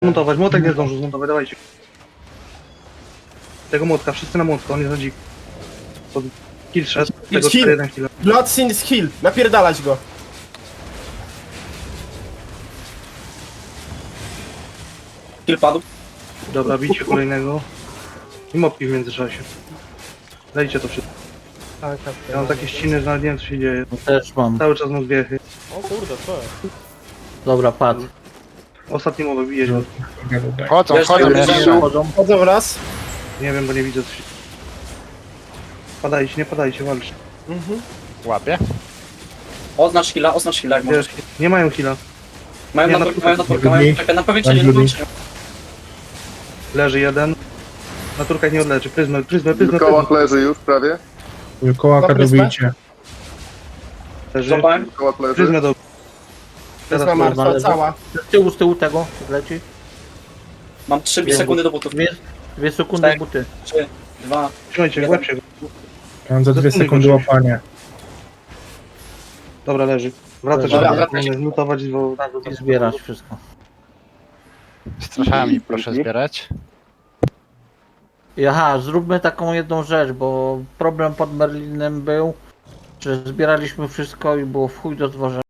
Montować, młotek nie zdążył zmontować, dawajcie. Tego młotka, wszyscy na młotka, on jest na dzik. Pod kill szedł, tego Kill. 4-1 kill. Bloodsin jest heal. Napierdalać go. Kill padł. Dobra, bicie kolejnego. I mopki w międzyczasie. Dajcie to wszystko. Tak, tak. Ja mam takie ściny, że nawet nie wiem co się dzieje. No też mam. Cały czas mam zbiechy. O kurde, co jest? Dobra, padł. Ostatni mowa bije się. Chodzą, Wiesz, chodzą, to jest- jeszcze. Chodzą. Chodzą raz. Nie wiem, bo nie widzę co się... Padajcie, nie padajcie, walczcie. Mhm. Łapie. Oznacz heala, jak możesz. Wiesz, nie mają killa. Mają nie, natórkę, no, mają natórkę, mają czekaj, na powiększenie, na powiększenie. Leży jeden. Naturka nie odleczy. Pryzmę. W kołach leży już prawie. Kołaka dobijcie. Leży. Złapałem. W kołach leży. Pryzmę do... Teraz Teraz ma to- martwa cała. Z tyłu tego leci. Mam 3 sekundy do butów. 2 sekundy Tak. buty. 3, 2. Trzymajcie, łeb się go. Mam za 2 Zasunij sekundy go czymś. łapania. Dobra, leży. Wracać, Dobra, żeby wracaj. lutować, bo... I zbierać wszystko. Straszami proszę zbierać. I aha, zróbmy taką jedną rzecz, bo problem pod Merlinem był, że zbieraliśmy wszystko i było w chuj do zwożenia.